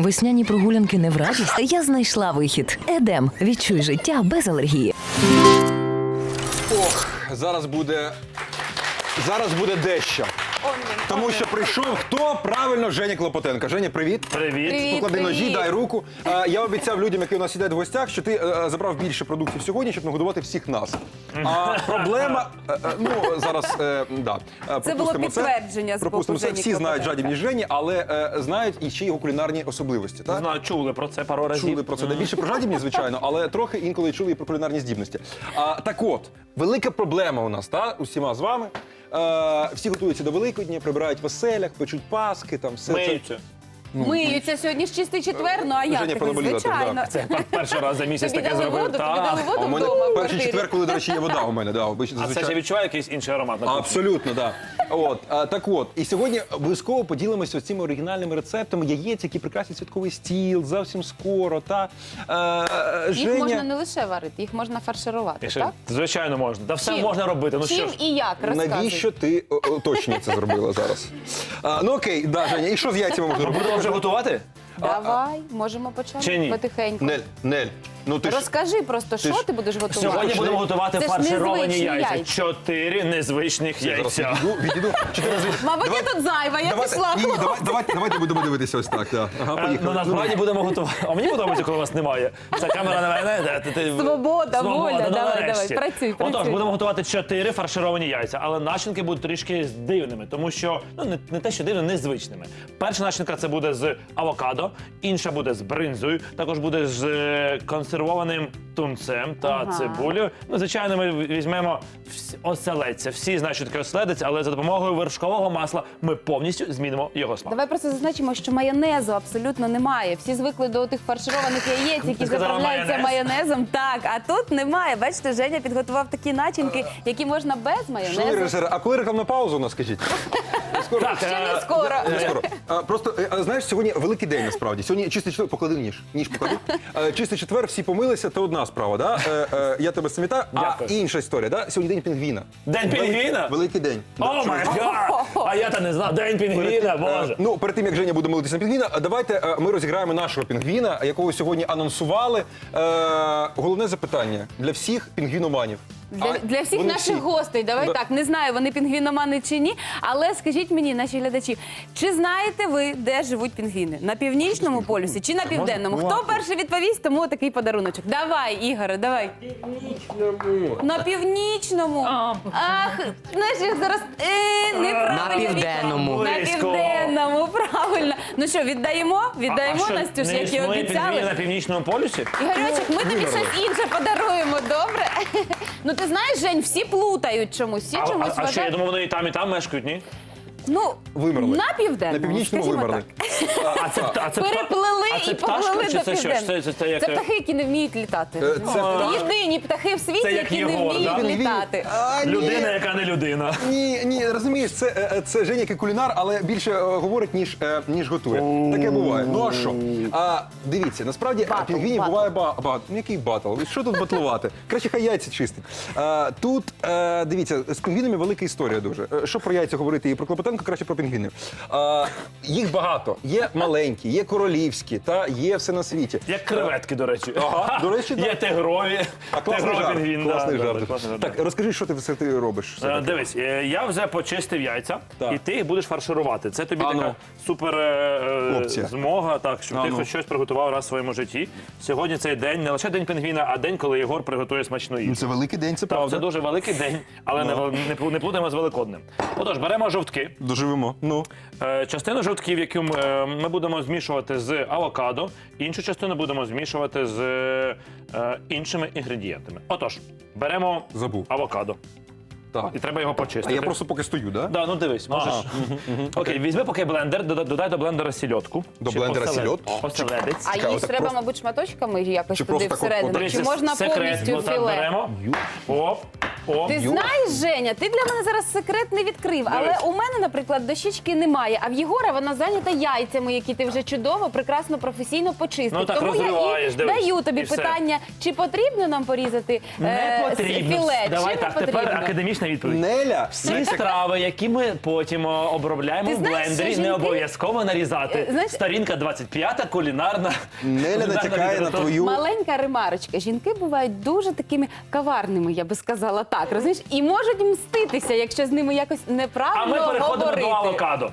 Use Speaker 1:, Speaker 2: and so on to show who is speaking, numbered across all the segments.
Speaker 1: Весняні прогулянки не в радість? Я знайшла вихід. Едем. Відчуй життя без алергії.
Speaker 2: Ох, зараз буде дещо. Тому що прийшов хто? Правильно, Женя Клопотенко. Женя, привіт.
Speaker 3: Привіт.
Speaker 2: Поклади ножі, дай руку. Я обіцяв людям, які у нас сидять в гостях, що ти забрав більше продуктів сьогодні, щоб нагодувати всіх нас. А проблема, зараз, да.
Speaker 3: Це було підтвердження з боку
Speaker 2: Пропустимо це.
Speaker 3: Жені
Speaker 2: Всі знають
Speaker 3: Клопотенка.
Speaker 2: жадібність Жені, але знають і ще його кулінарні особливості. Так?
Speaker 4: Знаю, чули про це пару разів.
Speaker 2: Чули про це. Не більше про жадібність, звичайно, але трохи інколи чули і про кулінарні здібності. Так от, велика проблема у нас, усіма з вами. Всі готуються до Великодня, прибирають в оселях, печуть паски, там все
Speaker 4: Миються.
Speaker 3: Миються сьогодні ж чистий четвер, ну а як
Speaker 2: Женя
Speaker 3: ти?
Speaker 2: понаболіла,
Speaker 3: Звичайно.
Speaker 2: так,
Speaker 4: Це перший раз за місяць
Speaker 3: Тобі
Speaker 4: таке
Speaker 3: дали
Speaker 4: зробив.
Speaker 3: воду, тобі дали
Speaker 2: А
Speaker 3: воду
Speaker 2: у мене
Speaker 3: вдома в
Speaker 2: перший
Speaker 3: квартирі.
Speaker 2: четвер, коли, до речі, є вода у мене. Да,
Speaker 4: А це ще відчуває якийсь інший аромат на кухні?
Speaker 2: Абсолютно, так. Так от, і сьогодні обов'язково поділимося цими оригінальними рецептами яєць, які прикрасять святковий стіл, зовсім скоро.
Speaker 3: Їх можна не лише варити, їх можна фарширувати,
Speaker 4: Ще,
Speaker 3: так?
Speaker 4: звичайно, можна. Та все
Speaker 3: Чим?
Speaker 4: можна робити. Ну що
Speaker 3: Чим
Speaker 4: ж.
Speaker 3: і як? Розказуй.
Speaker 2: Навіщо ти точно це зробила зараз? Окей, да, Женя, і що з яйцями можна робити?
Speaker 4: Будемо вже готувати?
Speaker 3: Давай, можемо почати
Speaker 4: Чи ні?
Speaker 3: потихеньку.
Speaker 2: Нель, ну ти ж...
Speaker 3: Розкажи просто, що ти будеш готувати?
Speaker 4: Сьогодні будемо готувати
Speaker 3: Це ж
Speaker 4: фаршировані
Speaker 3: незвичні
Speaker 4: яйця. 4 незвичних
Speaker 2: Зараз
Speaker 4: яйця.
Speaker 2: відійду.
Speaker 3: Мабуть, я тут зайва, я пішла.
Speaker 2: Ні, давайте будемо дивитися ось так. Да. Ага,
Speaker 4: Ну,
Speaker 2: поїхали.
Speaker 4: насправді будемо готувати. А мені подобається, коли вас немає. Ця камера на мене.
Speaker 3: Свобода, воля.
Speaker 4: ну,
Speaker 3: Давай,
Speaker 4: нарешті.
Speaker 3: працюй.
Speaker 4: Отож, будемо готувати 4 фаршировані яйця, але начинки будуть трішки дивними, тому що, не те, що дивними, незвичними. Перша начинка це буде з авокадо, інша буде з бринзою, також буде з консервованим тунцем та цибулею. Ну, звичайно, ми візьмемо оселедця. Всі знають, що таке оселедець, але за допомогою вершкового масла ми повністю змінимо його смак.
Speaker 3: Давай просто зазначимо, що майонезу абсолютно немає. Всі звикли до тих фаршированих яєць, які
Speaker 4: сказала
Speaker 3: заправляються
Speaker 4: майонез?
Speaker 3: майонезом. Так, а тут немає. Бачите, Женя підготував такі начинки, які можна без
Speaker 2: Шановні
Speaker 3: майонезу.
Speaker 2: режисери, а коли рекламна пауза у нас, скажіть?
Speaker 4: Так,
Speaker 3: Ще не скоро.
Speaker 2: Не скоро. Просто, знаєш, сьогодні великий день, насправді. Сьогодні чистий четвер, поклади ніж поклади. Чистий четвер, всі помилися, це одна справа, да? Я тебе самітаю. А
Speaker 4: Дякую.
Speaker 2: інша історія, да? Сьогодні день пінгвіна.
Speaker 4: День пінгвіна?
Speaker 2: Великий день.
Speaker 4: О май гад! А я та не знав. День пінгвіна, боже.
Speaker 2: Ну, перед тим, як Женя буде молитися на пінгвіна, давайте ми розіграємо нашого пінгвіна, якого сьогодні анонсували. Головне запитання для всіх пінгвіноманів.
Speaker 3: Для всіх
Speaker 2: Вони
Speaker 3: наших
Speaker 2: всі.
Speaker 3: гостей, давай
Speaker 2: Да.
Speaker 3: так, не знаю, вони пінгвіномани чи ні, але скажіть мені, наші глядачі, чи знаєте ви, де живуть пінгвіни? На північному полюсі чи на південному? Хто перший відповість, тому такий подаруночок. Давай, Ігоре, давай. На північному. Ах, знаєш, я зараз неправильно.
Speaker 5: На південному.
Speaker 3: На
Speaker 4: Близько.
Speaker 3: південному, правильно. Ну що, віддаємо? Віддаємо,
Speaker 4: що,
Speaker 3: Настюш,
Speaker 4: не
Speaker 3: як і
Speaker 4: існує
Speaker 3: обіцяли.
Speaker 4: пінгвін на північному полюсі?
Speaker 3: Ігорьочок, ми тобі щось інше подаруємо, добре? Ну ти знаєш, Жень, всі плутають чомусь, всі чомусь
Speaker 4: А що, я
Speaker 3: вважають.
Speaker 4: думав, вони і там мешкають, ні?
Speaker 3: Ну,
Speaker 2: Вимерли.
Speaker 3: на південному,
Speaker 2: На північному
Speaker 3: скажімо
Speaker 2: вимерли.
Speaker 3: так.
Speaker 4: А це
Speaker 3: Переплили
Speaker 4: а це
Speaker 3: і
Speaker 4: пташка,
Speaker 3: поплили
Speaker 4: чи
Speaker 3: до
Speaker 4: це що?
Speaker 3: південного.
Speaker 4: Це як...
Speaker 3: Це птахи, які не вміють літати.
Speaker 2: Це пташка.
Speaker 3: Єдині птахи в світі,
Speaker 4: Це як
Speaker 3: які не
Speaker 4: Єгор,
Speaker 3: вміють
Speaker 4: да?
Speaker 3: літати.
Speaker 4: Людина, яка не людина.
Speaker 2: Ні, розумієш, це Женя який кулінар, але більше говорить, ніж готує. Таке буває. Ну а що? Дивіться, насправді
Speaker 3: Батл,
Speaker 2: пінгвінів
Speaker 3: батл.
Speaker 2: буває багато. Ну який батл? Що тут батлувати? Краще хай яйця чистить. Тут, дивіться, з пінгвінами велика історія дуже. Що про яйця говорити і про Клопотенко, краще про пінгвінів. Їх багато. Є маленькі, є королівські, та є все на світі.
Speaker 4: Як креветки, до речі.
Speaker 2: Ага, до речі,
Speaker 4: Є тигрові.
Speaker 2: Класний
Speaker 4: Тигровий
Speaker 2: жарт.
Speaker 4: пінгвін,
Speaker 2: Класний
Speaker 4: да,
Speaker 2: жарт.
Speaker 4: добре, класний жарт.
Speaker 2: Так, розкажи, що ти робиш?
Speaker 4: Дивись, я вже почистив яйця,
Speaker 2: Так.
Speaker 4: і ти їх будеш фарширувати. Це тобі
Speaker 2: А ну.
Speaker 4: така супер
Speaker 2: Опція.
Speaker 4: змога, так, щоб
Speaker 2: А
Speaker 4: ти
Speaker 2: ну.
Speaker 4: хоч щось приготував раз в своєму житті. Сьогодні цей день не лише день пінгвіна, а день, коли Єгор приготує смачну їжу.
Speaker 2: Це великий день, це
Speaker 4: Так,
Speaker 2: правда.
Speaker 4: це дуже великий день, але не плутаємо з Великоднем. Отож, беремо жовтки.
Speaker 2: Доживемо. Ну.
Speaker 4: Частину жовтків, яку ми будемо змішувати з авокадо, іншу частину будемо змішувати з іншими інгредієнтами. Отож, беремо
Speaker 2: Забув.
Speaker 4: авокадо.
Speaker 2: Так.
Speaker 4: І треба його
Speaker 2: А
Speaker 4: почистити.
Speaker 2: я просто поки стою, да?
Speaker 4: Да, ну дивись, можеш. Окей, візьми поки блендер, додай до блендера сільотку.
Speaker 2: До
Speaker 4: Чи
Speaker 2: блендера
Speaker 4: оселед-
Speaker 2: сільотку?
Speaker 4: Оселедець.
Speaker 3: А
Speaker 2: Цікаво,
Speaker 3: їх
Speaker 2: так
Speaker 3: треба,
Speaker 2: просто-
Speaker 3: мабуть, шматочками якось
Speaker 2: Чи
Speaker 3: туди
Speaker 2: просто так от
Speaker 3: всередину?
Speaker 2: подивись,
Speaker 3: Чи можна
Speaker 4: секрет,
Speaker 3: повністю
Speaker 4: отак
Speaker 3: філе?
Speaker 4: беремо. Оп. О,
Speaker 3: Ти знаєш, Женя, ти для мене зараз секрет не відкрив, але
Speaker 4: Дивись.
Speaker 3: у мене, наприклад, дощечки немає, а в Єгора вона зайнята яйцями, які ти вже чудово, прекрасно, професійно почистив.
Speaker 4: Ну, так
Speaker 3: Тому я
Speaker 4: розриваєш,
Speaker 3: і
Speaker 4: дивись,
Speaker 3: даю тобі
Speaker 4: і все.
Speaker 3: питання, чи потрібно нам порізати
Speaker 4: не потрібно.
Speaker 3: філе,
Speaker 4: Давай
Speaker 3: чи
Speaker 4: так,
Speaker 3: не
Speaker 4: тепер
Speaker 3: потрібно?
Speaker 4: академічна відповідь.
Speaker 2: Неля,
Speaker 4: Всі страви, які ми потім обробляємо
Speaker 3: Ти
Speaker 4: в
Speaker 3: знаєш,
Speaker 4: блендері,
Speaker 3: що
Speaker 4: не
Speaker 3: жінки-
Speaker 4: обов'язково нарізати.
Speaker 3: Знаєш-
Speaker 4: Сторінка 25, кулінарна.
Speaker 2: Неля натякає на твою...
Speaker 3: Маленька ремарочка. Жінки бувають дуже такими каварними, я би сказала так. Розумієш? І можуть мститися, якщо з ними якось
Speaker 4: А ми
Speaker 3: неправильно
Speaker 4: переходимо
Speaker 3: говорити.
Speaker 4: до авокадо.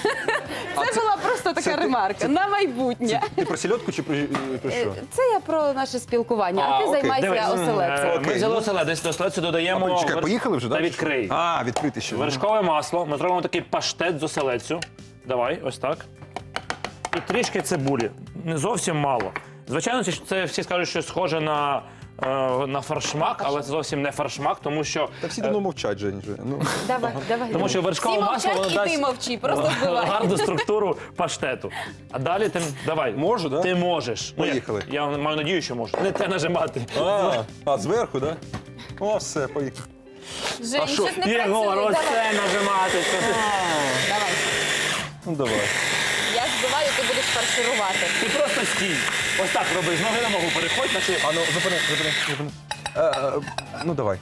Speaker 3: Це була просто така ремарка на майбутнє.
Speaker 2: Ти про сільотку чи про що?
Speaker 3: Це я про наше спілкування, а ти
Speaker 2: окей.
Speaker 3: займайся
Speaker 4: Дивись,
Speaker 3: оселедцем.
Speaker 2: Окей,
Speaker 4: Ми взяли
Speaker 2: ну.
Speaker 4: оселедець, до оселедцю додаємо...
Speaker 2: Чекай, поїхали вже,
Speaker 4: Та
Speaker 2: так?
Speaker 4: відкрий.
Speaker 2: А, відкрити ще.
Speaker 4: Вершкове масло. Ми зробимо такий паштет з оселедцю. Давай, ось так. І трішки цибулі. Не зовсім мало. Звичайно, це всі скажуть, що схоже на фаршмак, але це зовсім не фаршмак, тому що...
Speaker 2: Та всі давно мовчать, Жень. вже. Ну.
Speaker 3: Давай.
Speaker 4: Тому що вершкове
Speaker 3: Всі
Speaker 4: масло
Speaker 3: мовчать,
Speaker 4: воно
Speaker 3: і ти
Speaker 4: дасть
Speaker 3: мовчи, просто збивай.
Speaker 4: гарну структуру паштету. А далі ти давай.
Speaker 2: Можу, да?
Speaker 4: Ти можеш. Ну, як?
Speaker 2: Поїхали.
Speaker 4: Я маю надію, що можу. Не те нажимати.
Speaker 2: А зверху, так? Да? О, все, поїхали.
Speaker 3: Жень,
Speaker 2: А що?
Speaker 3: щось не
Speaker 4: Єгор,
Speaker 3: працює.
Speaker 4: ось
Speaker 3: Давай.
Speaker 4: це нажимати.
Speaker 3: Давай.
Speaker 2: Ну давай.
Speaker 3: Я збиваю, ти будеш фарширувати.
Speaker 4: Ти просто стій. Ось так роби. З ноги на ногу переходь, наче...
Speaker 2: А ну, зупини. Ну давай.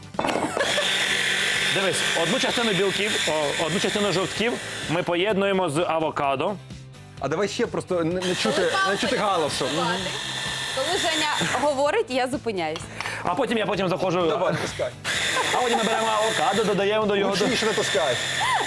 Speaker 4: Дивись, одну частину білків, одну частину жовтків ми поєднуємо з авокадо.
Speaker 2: А давай ще просто не чути галасу.
Speaker 3: Коли Женя говорить, я зупиняюсь.
Speaker 4: А потім я заходжу.
Speaker 2: Давай, натискай.
Speaker 4: А потім ми беремо авокадо, додаємо до його.
Speaker 2: Гучніше натискай.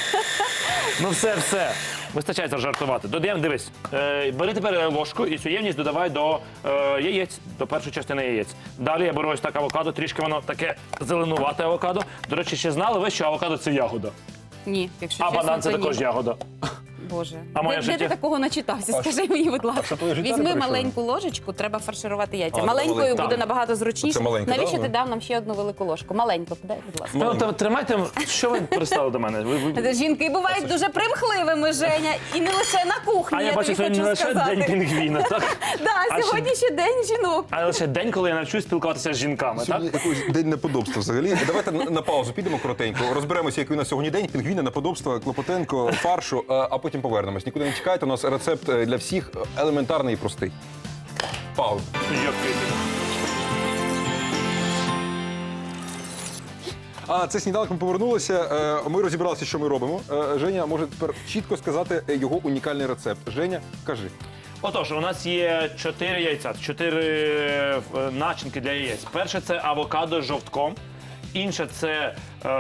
Speaker 4: Ну все. Вистачає жартувати. Додаємо, дивись. Бери тепер ложку і цю ємність додавай до яєць, до першої частини яєць. Далі я беру ось так авокадо, трішки воно таке зеленувате авокадо. До речі, ще знали ви, що авокадо це ягода,
Speaker 3: Ні, якщо
Speaker 4: а
Speaker 3: чесно,
Speaker 4: банан це
Speaker 3: то ні.
Speaker 4: також ягода.
Speaker 3: Боже,
Speaker 4: А моє
Speaker 3: де
Speaker 4: життя?
Speaker 3: ти такого начитався? Скажи мені, будь ласка.
Speaker 2: твоє життя не
Speaker 3: Візьми
Speaker 2: перейшло?
Speaker 3: маленьку ложечку, треба фарширувати яйця.
Speaker 2: А,
Speaker 3: Маленькою
Speaker 2: маленьку.
Speaker 3: буде набагато зручніше.
Speaker 2: Це маленька,
Speaker 3: Навіщо
Speaker 2: да?
Speaker 3: ти дав нам ще одну велику ложку? Маленьку, подай, будь ласка.
Speaker 4: Та тримайте, що ви пристали до мене?
Speaker 3: Жінки бувають дуже примхливими, Женя, і не лише на кухні,
Speaker 4: А я
Speaker 3: я
Speaker 4: бачу,
Speaker 3: тобі
Speaker 4: сьогодні не
Speaker 3: хочу
Speaker 4: лише день
Speaker 3: сказати.
Speaker 4: пінгвіна, так?
Speaker 3: Да,
Speaker 4: А
Speaker 3: сьогодні ще день жінок.
Speaker 4: А лише день, коли я навчусь спілкуватися з жінками, так?
Speaker 2: Сьогодні якийсь день неподобства взагалі. Давайте на паузу підемо коротенько. Розберемося, який у нас сьогодні день. Пінгвіни, неподобства, Клопотенко, фаршу, а потім повернемось. Нікуди не чекайте, у нас рецепт для всіх елементарний і простий. Пауза. А це сніданок, ми повернулися. Ми розібралися, що ми робимо. Женя може тепер чітко сказати його унікальний рецепт. Женя, кажи.
Speaker 4: Отож, у нас є 4 яйця, 4 начинки для яєць. Перше – це авокадо з жовтком. Інше – це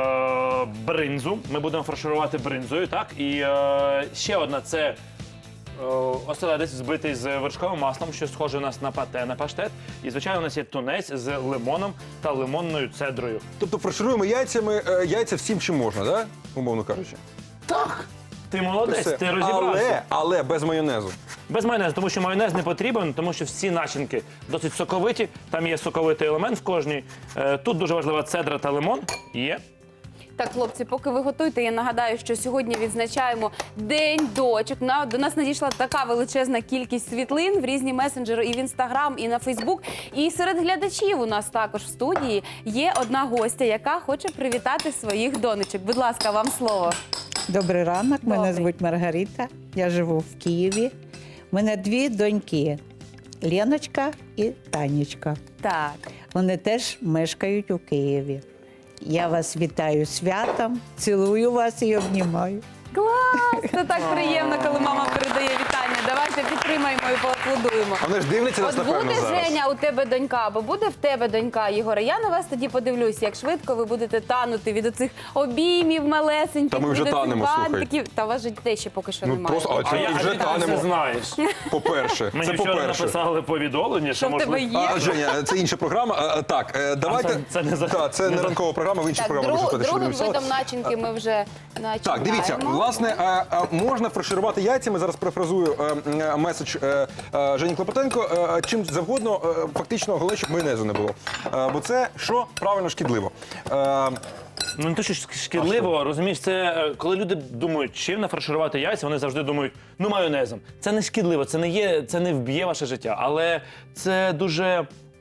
Speaker 4: бринзу. Ми будемо фарширувати бринзою, так? І ще одна – це оселедець збитий з вершковим маслом, що схоже у нас на пате, на паштет. І, звичайно, у нас є тунець з лимоном та лимонною цедрою.
Speaker 2: Тобто фаршируємо яйця всім, чим можна, да? Умовно кажучи.
Speaker 4: Ти молодець,
Speaker 2: Все.
Speaker 4: ти розібрався.
Speaker 2: Але без майонезу.
Speaker 4: Без майонезу, тому що майонез не потрібен, тому що всі начинки досить соковиті, там є соковитий елемент в кожній. Тут дуже важлива цедра та лимон. Є.
Speaker 3: Так, хлопці, поки ви готуєте, я нагадаю, що сьогодні відзначаємо День дочок. До нас надійшла така величезна кількість світлин в різні месенджери і в Інстаграм, і на Фейсбук. І серед глядачів у нас також в студії є одна гостя, яка хоче привітати своїх донечок. Будь ласка, вам слово.
Speaker 5: Добрий ранок, мене
Speaker 3: Добрий.
Speaker 5: звуть Маргарита, я живу в Києві. У мене 2 доньки – Леночка і Танечка.
Speaker 3: Так.
Speaker 5: Вони теж мешкають у Києві. Я вас вітаю з святом, цілую вас і обнімаю.
Speaker 3: Клас! Це так приємно, коли мама передає вітання. Давайте підтримаємо і поаплодуємо.
Speaker 2: А вони ж дивляться нас,
Speaker 3: От
Speaker 2: напевно,
Speaker 3: буде,
Speaker 2: зараз.
Speaker 3: Женя, у тебе донька, або буде в тебе донька, Єгоре. Я на вас тоді подивлюсь, як швидко ви будете танути від оцих обіймів малесеньких.
Speaker 2: Та ми вже
Speaker 3: від оцих
Speaker 2: танемо, слухай.
Speaker 3: бантиків. Та у вас же дітей ще поки що
Speaker 2: Ну,
Speaker 3: немає.
Speaker 2: просто- а
Speaker 4: А я
Speaker 2: вже
Speaker 4: ти це
Speaker 2: танемо.
Speaker 4: знаєш.
Speaker 2: По-перше,
Speaker 4: Мені
Speaker 2: це
Speaker 4: вчора
Speaker 2: по-перше.
Speaker 4: написали повідомлення, що
Speaker 3: Що в тебе
Speaker 4: можливо...
Speaker 3: є?
Speaker 2: Женя, це інша програма. Так, давайте.
Speaker 4: це не за-
Speaker 2: Так, це
Speaker 4: не
Speaker 2: не
Speaker 4: за-
Speaker 2: ранкова програма, в іншій
Speaker 3: Так,
Speaker 2: програмі можна сказати, що
Speaker 3: другим
Speaker 2: любимо
Speaker 3: видом
Speaker 2: салат.
Speaker 3: начинки ми вже начинаємо.
Speaker 2: Так, дивіться, власне, можна фарширувати яйцями. Зараз перефразую меседж Жені Клопотенко. Чим завгодно, фактично, головне, щоб майонезу не було. Бо це що? Правильно, шкідливо.
Speaker 4: Ну не те, що шкідливо, розумієш, це коли люди думають, чим нафарширувати яйця, вони завжди думають, ну майонезом. Це не шкідливо, це не вб'є ваше життя, але це дуже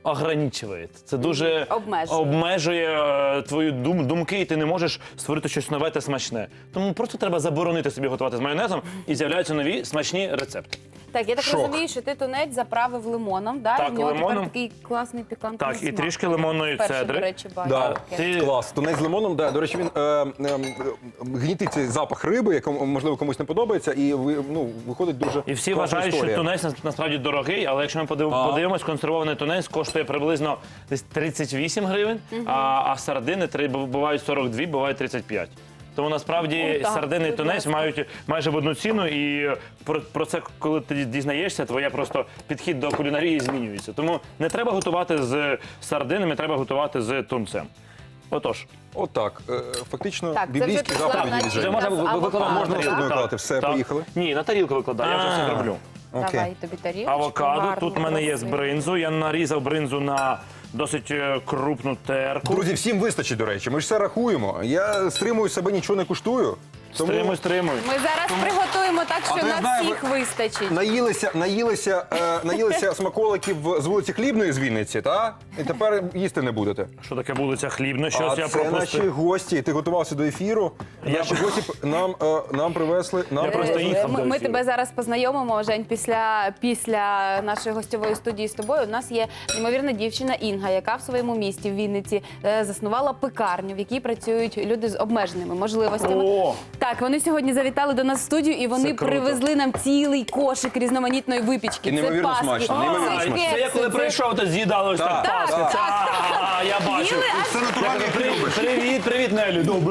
Speaker 4: ограничує. Це дуже обмежує твої думки, і ти не можеш створити щось нове та смачне. Тому просто треба заборонити собі готувати з майонезом, і з'являються нові смачні рецепти.
Speaker 3: Так, я так
Speaker 2: Шок.
Speaker 3: розумію, що ти тунець заправив лимоном, да?
Speaker 4: Так,
Speaker 3: і в нього
Speaker 4: лимоном.
Speaker 3: тепер такий класний пікантний
Speaker 4: Так, і
Speaker 3: смак.
Speaker 4: трішки лимонної
Speaker 3: Перше,
Speaker 4: цедри.
Speaker 3: до речі, бачу.
Speaker 2: Да.
Speaker 3: таке.
Speaker 2: Клас. Тунець з лимоном, да. До речі, він гнітить цей запах риби, якому, можливо, комусь не подобається, і виходить дуже
Speaker 4: І всі
Speaker 2: класна
Speaker 4: вважають,
Speaker 2: історія.
Speaker 4: що тунець насправді дорогий, але якщо ми подивимось, консервований тунець коштує приблизно десь 38 гривень, а сардини бувають 42, бувають 35. Тому насправді
Speaker 3: О, так,
Speaker 4: сардини і
Speaker 3: будь
Speaker 4: тунець
Speaker 3: ласка.
Speaker 4: мають майже в одну ціну, і про це, коли ти дізнаєшся, твоя просто підхід до кулінарії змінюється. Тому не треба готувати з сардинами, треба готувати з тунцем. Отож.
Speaker 2: Отак. Фактично,
Speaker 3: Так, це вже
Speaker 2: біблійські
Speaker 3: пішла
Speaker 2: заповіді
Speaker 3: начинка
Speaker 2: від
Speaker 4: Вже
Speaker 2: Жені.
Speaker 4: можна
Speaker 3: з авокадо.
Speaker 4: викладати.
Speaker 2: Можна
Speaker 4: на тарілку.
Speaker 2: все
Speaker 4: Так,
Speaker 2: викладати. Все,
Speaker 4: так.
Speaker 2: поїхали?
Speaker 4: Ні, на тарілку викладаю, я вже все роблю.
Speaker 2: Окей.
Speaker 3: Давай тобі тарілочку.
Speaker 4: Авокадо,
Speaker 3: гарну,
Speaker 4: тут в мене є з
Speaker 3: красиву.
Speaker 4: бринзу. Я нарізав бринзу на досить крупну терку.
Speaker 2: Друзі, всім вистачить, до речі. Ми ж все рахуємо. Я стримую себе, нічого не куштую. Тому
Speaker 4: Стримуй.
Speaker 3: Ми зараз приготуємо так, що
Speaker 2: то я
Speaker 3: на
Speaker 2: знаю,
Speaker 3: всіх вистачить.
Speaker 2: наїлися смаколиків з вулиці Хлібної з Вінниці, та? І тепер їсти не будете.
Speaker 4: Що таке вулиця Хлібна? Щось
Speaker 2: А
Speaker 4: я
Speaker 2: це наші
Speaker 4: пропустив.
Speaker 2: гості. Ти готувався до ефіру. Наші гості нам привезли.
Speaker 4: Я просто їхав до
Speaker 3: Ми
Speaker 4: ефіру.
Speaker 3: тебе зараз познайомимо, Жень, після нашої гостьової студії з тобою. У нас є неймовірна дівчина Інга, яка в своєму місті в Вінниці заснувала пекарню, в якій працюють люди з обмеженими можливостями.
Speaker 4: О!
Speaker 3: Так, вони сьогодні завітали до нас в студію і вони
Speaker 4: Це круто.
Speaker 3: привезли нам цілий кошик різноманітної випічки.
Speaker 2: І неймовірно
Speaker 3: це паски,
Speaker 2: смачно, неймовірно
Speaker 3: це
Speaker 2: смачно.
Speaker 3: кекси,
Speaker 4: Це я коли прийшов, то з'їдали ось так
Speaker 2: Так,
Speaker 4: паски.
Speaker 3: так,
Speaker 4: Я бачу.
Speaker 3: Їли, аж
Speaker 2: Це натурально, як ти любиш.
Speaker 4: Привіт, Нелі. Добре.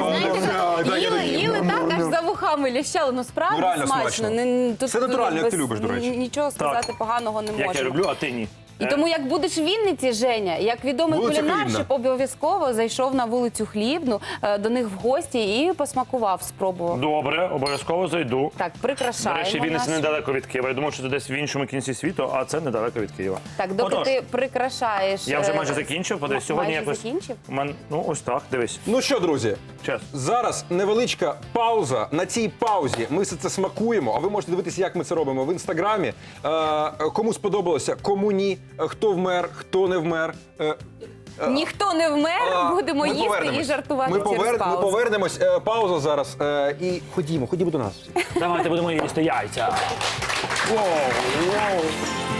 Speaker 3: Їли так, аж за вухами лящали. Ну справді
Speaker 2: Ну, реально
Speaker 3: смачно.
Speaker 2: смачно.
Speaker 3: Тут
Speaker 2: Це натурально, як ти любиш, до речі.
Speaker 3: Нічого сказати поганого не
Speaker 4: Як я
Speaker 3: можемо.
Speaker 4: люблю, а ти ні.
Speaker 3: І тому, як будеш в Вінниці, Женя, як відомий
Speaker 2: Вулиця
Speaker 3: кулінар,
Speaker 2: Хлібна.
Speaker 3: щоб обов'язково зайшов на вулицю Хлібну до них в гості і посмакував, спробував.
Speaker 4: Добре, обов'язково зайду.
Speaker 3: Так,
Speaker 4: До
Speaker 3: прикрашаємо.
Speaker 4: речі, Вінниця
Speaker 3: наш-
Speaker 4: недалеко від Києва. Я думав, що це десь в іншому кінці світу, а це недалеко від Києва.
Speaker 3: Так, доки
Speaker 4: Отож,
Speaker 3: ти прикрашаєш.
Speaker 4: я вже майже закінчив. Подивись, сьогодні
Speaker 3: майже
Speaker 4: якось...
Speaker 3: закінчив?
Speaker 4: Ну, ось так, дивись.
Speaker 2: Ну що, друзі,
Speaker 4: Час.
Speaker 2: зараз невеличка пауза. На цій паузі ми все це смакуємо, а ви можете дивитися, як ми це робимо в інстаграмі. Кому сподобалося, кому ні, хто вмер, хто не вмер.
Speaker 3: Ніхто не вмер, будемо
Speaker 2: Ми
Speaker 3: їсти
Speaker 2: повернемось.
Speaker 3: і жартувати
Speaker 2: Ми
Speaker 3: через
Speaker 2: Ми
Speaker 3: паузу.
Speaker 2: повернемось. Пауза зараз. І ходімо до нас.
Speaker 4: Давайте будемо їсти яйця. Воу.